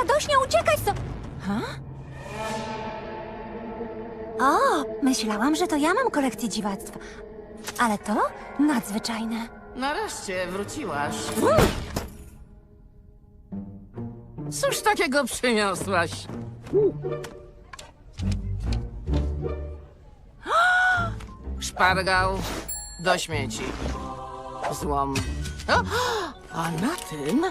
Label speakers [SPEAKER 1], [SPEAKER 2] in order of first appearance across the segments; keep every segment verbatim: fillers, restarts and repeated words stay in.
[SPEAKER 1] radośnie uciekać, to... Ha? O, myślałam, że to ja mam kolekcję dziwactw. Ale to nadzwyczajne.
[SPEAKER 2] Nareszcie wróciłaś. Cóż takiego przyniosłaś? Szpargał do śmieci. Złom. O, a na tym...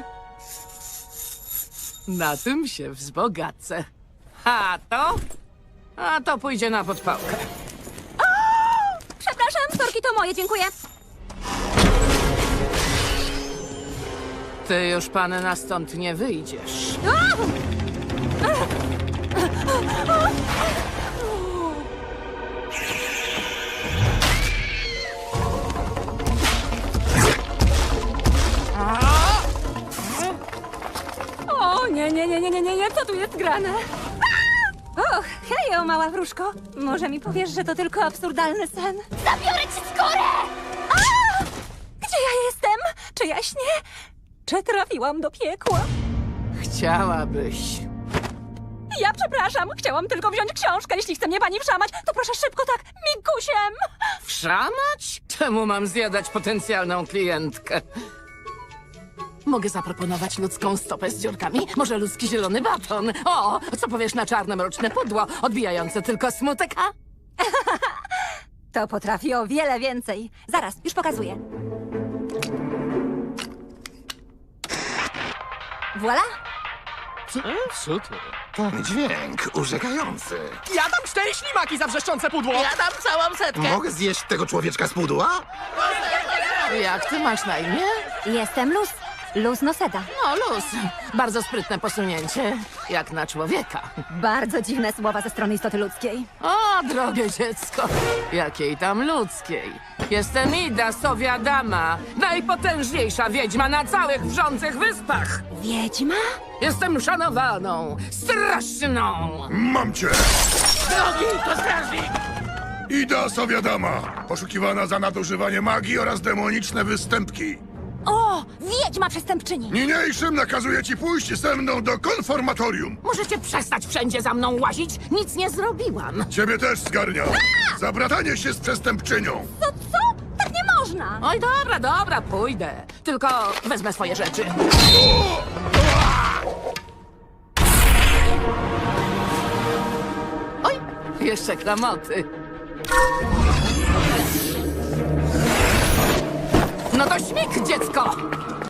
[SPEAKER 2] Na tym się wzbogacę. A to? A to pójdzie na podpałkę.
[SPEAKER 1] Przepraszam, storki to moje, dziękuję.
[SPEAKER 2] Ty już, panna, stąd nie wyjdziesz.
[SPEAKER 1] O, nie, nie, nie, nie, nie, nie, nie, co tu jest grane? Och, hejo, mała wróżko. Może mi powiesz, że to tylko absurdalny sen? Zabiorę ci skórę! A! Gdzie ja jestem? Czy ja śnię? Czy trafiłam do piekła?
[SPEAKER 2] Chciałabyś.
[SPEAKER 1] Ja przepraszam, chciałam tylko wziąć książkę. Jeśli chce mnie pani wszamać, to proszę szybko tak, migusiem.
[SPEAKER 2] Wszamać? Czemu mam zjadać potencjalną klientkę? Mogę zaproponować ludzką stopę z dziurkami, może ludzki zielony baton. O, co powiesz na czarne, mroczne pudło, odbijające tylko smutek, a?
[SPEAKER 1] To potrafi o wiele więcej. Zaraz, już pokazuję. Voilà.
[SPEAKER 3] Co to? Ten dźwięk urzekający.
[SPEAKER 4] Ja dam cztery ślimaki za wrzeszczące pudło!
[SPEAKER 2] Ja dam całą setkę.
[SPEAKER 3] Mogę zjeść tego człowieczka z pudła?
[SPEAKER 2] Jak ty masz na imię?
[SPEAKER 1] Jestem Luz. Luz Noseda.
[SPEAKER 2] No, luz. Bardzo sprytne posunięcie. Jak na człowieka.
[SPEAKER 1] Bardzo dziwne słowa ze strony istoty ludzkiej.
[SPEAKER 2] O, drogie dziecko. Jakiej tam ludzkiej. Jestem Ida, sowia dama. Najpotężniejsza wiedźma na całych wrzących wyspach.
[SPEAKER 1] Wiedźma?
[SPEAKER 2] Jestem szanowaną, straszną.
[SPEAKER 5] Mam cię!
[SPEAKER 2] Drogi, to strażnik.
[SPEAKER 5] Ida Sowiadama, poszukiwana za nadużywanie magii oraz demoniczne występki.
[SPEAKER 1] O, wiedźma przestępczyni.
[SPEAKER 5] Niniejszym nakazuję ci pójść ze mną do konformatorium.
[SPEAKER 2] Możecie przestać wszędzie za mną łazić? Nic nie zrobiłam.
[SPEAKER 5] Ciebie też zgarniam. Za bratanie się z przestępczynią.
[SPEAKER 1] To co? Tak nie można.
[SPEAKER 2] Oj, dobra, dobra, pójdę. Tylko wezmę swoje rzeczy. Oj, jeszcze klamoty. No to śmig, dziecko!